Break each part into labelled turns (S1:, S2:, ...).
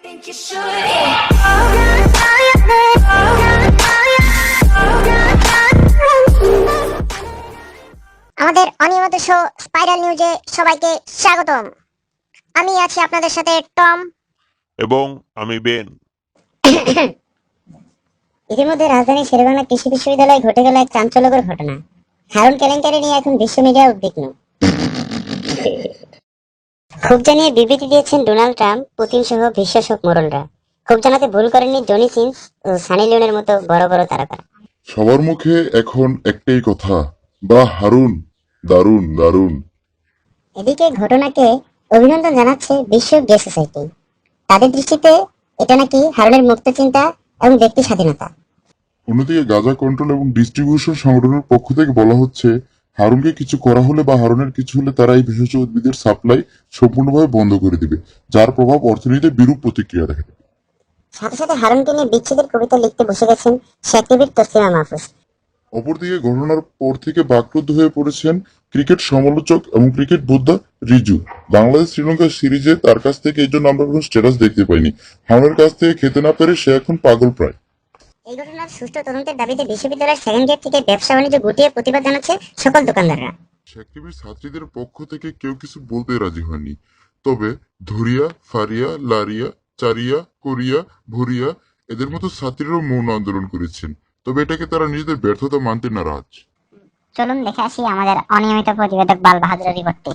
S1: আমাদের অনিয়মিত show spiral নিউজে সবাইকে স্বাগতম। আমি আছি আপনাদের সাথে টম
S2: এবং আমি বেন।
S1: ইতিমধ্যে রাজধানী শেরেবাংলা কৃষি বিশ্ববিদ্যালয়ে ঘটে গেল এক চাঞ্চল্যকর ঘটনা। হারুন কেলেঙ্কারি নিয়ে এখন বিশ্ব মিডিয়া উদ্বিগ্ন। ক্ষোভ জানিয়ে বিবৃতি দিয়েছেন ডোনাল্ড ট্রাম্প, পুতিন সহ বিশ্বাসক মোড়লরা। ক্ষোভ জানাতে ভুল করেননি জনি সিন্স ও সানি লিওনের মতো বড় বড় তারকা।
S3: সবার মুখে এখন একটাই কথা, বা হারুন, দারুণ দারুণ।
S1: এদিকে ঘটনাকে অভিনন্দন জানাচ্ছে বিশ্ব গে সোসাইটি। তাদের দৃষ্টিতে এটা নাকি হারুনের মুক্ত চিন্তা এবং ব্যক্তি স্বাধীনতা।
S3: অন্যদিকে গাজা কন্ট্রোল এবং ডিস্ট্রিবিউশন সংগঠনের পক্ষ থেকে বলা হচ্ছে, হারুনকে কিছু করা হলে বা হারুনের কিছু হলে তারা এই ভেষজ উদ্ভিদের সাপ্লাই সম্পূর্ণভাবে বন্ধ করে দিবে, যার প্রভাব অর্থনীতিতে বিরূপ প্রতিক্রিয়া দেখা দেবে।
S1: সাথে সাথে হারুনকে নিয়ে বিচ্ছেদের কবিতা লিখতে বসে গেছেন শেকরিবির তসলিমা মাহফুজ।
S3: অপরদিকে ঘটনার পর থেকে বাকরুদ্ধ হয়ে পড়েছেন ক্রিকেট সমালোচক এবং ক্রিকেট বোদ্ধা রিজু। বাংলাদেশ শ্রীলঙ্কা সিরিজে তার কাছ থেকে এই জন্য আমরা কোনো স্ট্যাটাস দেখতে পাইনি। হারুনের কাছ থেকে খেতে না পেরে সে এখন পাগল প্রায়।
S1: এই ঘটনার সুষ্ঠু তদন্তের দাবিতে বিশ্ববিদ্যালয়ের সেকেন্ড গেট থেকে ব্যবসা বাণিজ্য গুটিয়ে প্রতিবাদ জানাচ্ছে সকল দোকানদাররা।
S3: শেকরিবির ছাত্রীদের পক্ষ থেকে কেউ কিছু বলতে রাজি হয়নি, তবে ধরিয়া, ফারিয়া, লারিয়া, চারিয়া, কোরিয়া, ভরিয়া এদের মতো ছাত্রীরাও মৌন আন্দোলন করেছেন, তবে এটাকে তারা নিজেদের ব্যর্থতা মানতে নারাজ।
S1: চলুন দেখে আসি আমাদের অনিয়মিত প্রতিবেদক বাল বাহাদুরের রিপোর্টটি।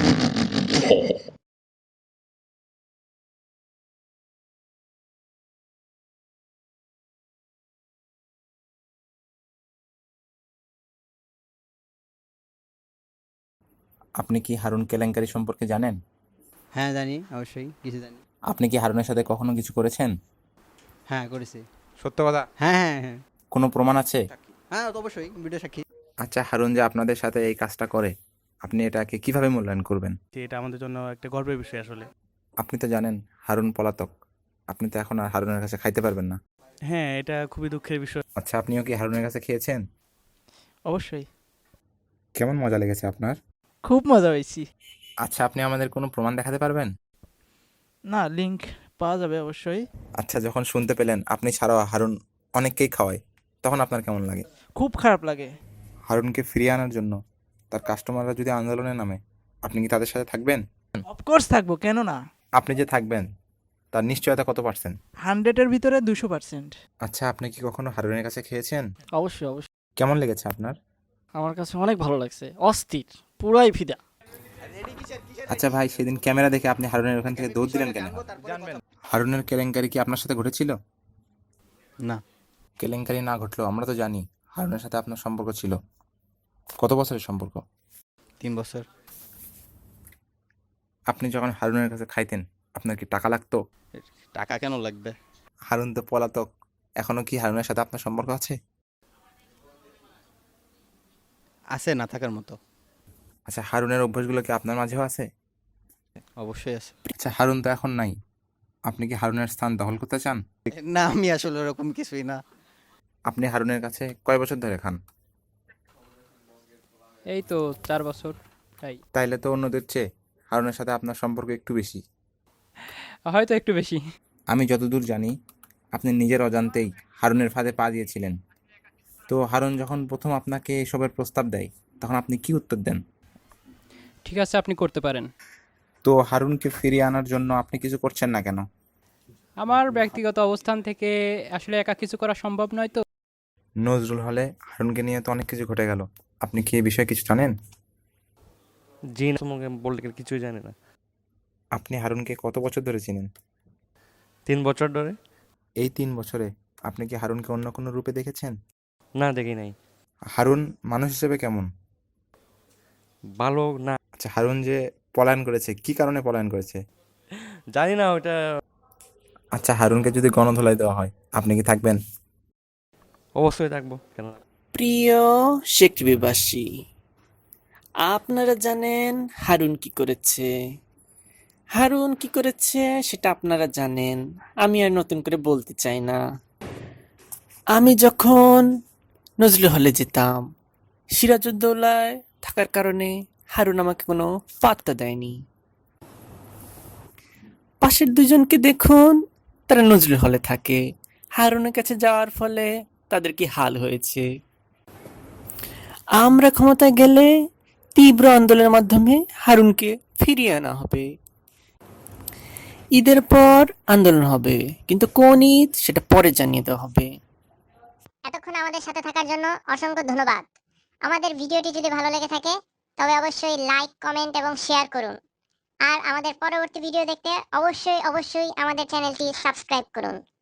S4: আপনি কি হারুন কেলেঙ্কারি সম্পর্কে জানেন?
S5: হ্যাঁ জানি, অবশ্যই কিছু জানি।
S4: আপনি কি হারুনের সাথে কখনো কিছু করেছেন?
S5: হ্যাঁ করেছি।
S6: সত্য কথা।
S5: হ্যাঁ হ্যাঁ হ্যাঁ
S4: কোনো প্রমাণ আছে?
S5: হ্যাঁ তো অবশ্যই ভিডিও সাক্ষী।
S4: আচ্ছা, হারুন যে আপনাদের সাথে এই কাজটা করে, আপনি এটাকে কিভাবে মূল্যায়ন করবেন?
S6: যে এটা আমাদের জন্য একটা গর্বের বিষয় আসলে।
S4: আপনি তো জানেন হারুন পলাতক, আপনি তো এখন আর হারুনের কাছে খাইতে পারবেন না।
S6: হ্যাঁ, এটা খুবই দুঃখের বিষয়।
S4: আচ্ছা, আপনিও কি হারুনের কাছে খেয়েছেন?
S6: অবশ্যই
S4: কেমন মজা লেগেছে আপনার?
S6: খুব মজা হয়েছি।
S4: আচ্ছা, আপনি আমাদের কোনো প্রমাণ দেখাতে পারবেন?
S6: না, লিংক পাওয়া যাবে অবশ্যই।
S4: আচ্ছা, যখন শুনতে পেলেন আপনি ছাড়াও হারুন অনেককেই খাওয়ায়, তখন আপনার কেমন লাগে?
S6: খুব খারাপ লাগে।
S4: হারুনকে ফিরিয়ে আনার জন্য তার কাস্টমাররা যদি আন্দোলনে নামে, আপনি কি তাদের সাথে থাকবেন?
S6: অফকোর্স থাকবো, কেন না।
S4: আপনি যে থাকবেন তার নিশ্চয়তা কত পার্সেন্ট?
S6: 100-এর ভিতরে 200%।
S4: আচ্ছা, আপনি কি কখনো হারুনের কাছে খেয়েছেন?
S6: অবশ্যই অবশ্যই,
S4: কেমন লেগেছে আপনার?
S6: আমার কাছে অনেক ভালো লাগছে, অস্থির, পুরাই ফিদা।
S4: আচ্ছা ভাই, সেদিন ক্যামেরা দেখে আপনি হারুনের ওখান থেকে দৌড় দিলেন কেন? হারুনের কেলেঙ্কারি কি আপনার সাথে ঘটেছিল?
S5: না,
S4: কেলেঙ্কারি না ঘটলেও আমরা তো জানি হারুনের সাথে আপনার সম্পর্ক ছিল। কত বছরের সম্পর্ক?
S5: 3 বছর।
S4: আপনি যখন হারুনের কাছে খাইতেন আপনার কি টাকা লাগতো?
S5: টাকা কেন লাগবে?
S4: হারুন তো পলাতক, এখনো কি হারুনের সাথে আপনার সম্পর্ক আছে?
S5: আছে না থাকার মতো।
S4: আচ্ছা, হারুনের অভ্যাসগুলো কি আপনার মাঝেও আছে?
S5: অবশ্যই আছে।
S4: আচ্ছা, হারুন তো এখন নাই, আপনি কি হারুনের স্থান দখল করতে চান?
S5: না, আমি আসলে ওরকম কিছুই না।
S4: আপনি হারুনের কাছে কয় বছর ধরে খান?
S7: এই তো 4 বছর। তাই
S4: তাইলে তো অন্যদের চেয়ে হারুনের সাথে আপনার সম্পর্ক একটু বেশি।
S7: হয়তো একটু বেশি।
S4: আমি যতদূর জানি আপনি নিজের অজান্তেই হারুনের ফাঁদে পা দিয়েছিলেন। তো হারুন যখন প্রথম আপনাকে এসবের প্রস্তাব দেয় তখন আপনি কি উত্তর দেন?
S7: ঠিক আছে, আপনি করতে পারেন।
S4: তো হারুনকে ফিরিয়ে আনার জন্য আপনি কিছু করছেন না কেন?
S7: আমার ব্যক্তিগত অবস্থান থেকে আসলে একা কিছু করা সম্ভব নয় তো।
S4: নজরুল হলে হারুনকে নিয়ে তো অনেক কিছু ঘটে গেল, আপনি কি এই বিষয়ে কিছু জানেন?
S6: জি না, তোমাকে বলতে কিছুই জানি না।
S4: আপনি হারুনকে কত বছর ধরে চিনেন?
S6: 3 বছর ধরে।
S4: এই 3 বছরে আপনি কি হারুনকে অন্য কোনো রূপে দেখেছেন?
S6: না, দেখি নাই।
S4: হারুন মানুষ হিসেবে কেমন?
S6: ভালো না,
S4: আচ্ছা, হারুন যে পলায়ন করেছে, কি কারণে পলায়ন করেছে?
S6: জানি না ওটা।
S4: আচ্ছা, হারুনকে যদি গণধোলাই দেওয়া হয় আপনি কি থাকবেন?
S6: অবশ্যই থাকবো, কেন না।
S8: প্রিয় শেকরিবাসী, আপনারা জানেন হারুন কি করেছে। হারুন কি করেছে সেটা আপনারা জানেন, আমি আর নতুন করে বলতে চাই না। আমি যখন নজরুল হলে যেতাম, সিরাজউদ্দৌলায় থাকার কারণে হারুন আমাকে কোনো পাত্তা দেয়নি। পাশের দুজনকে দেখুন, তারা নজরুল হলে থাকে। হারুনের কাছে যাওয়ার ফলে তাদের কি হাল হয়েছে। আমরা ক্ষমতায় গেলে তীব্র আন্দোলনের মাধ্যমে হারুনকে ফিরিয়ে আনা হবে। ঈদের পর আন্দোলন হবে, কিন্তু কোন ঈদ সেটা পরে জানিয়ে দেওয়া হবে।
S1: এতক্ষণ আমাদের সাথে থাকার জন্য অসংখ্য ধন্যবাদ। আমাদের ভিডিওটি যদি ভালো লেগে থাকে তবে অবশ্যই লাইক, কমেন্ট এবং শেয়ার করুন। আর আমাদের পরবর্তী ভিডিও দেখতে অবশ্যই আমাদের চ্যানেলটি সাবস্ক্রাইব করুন।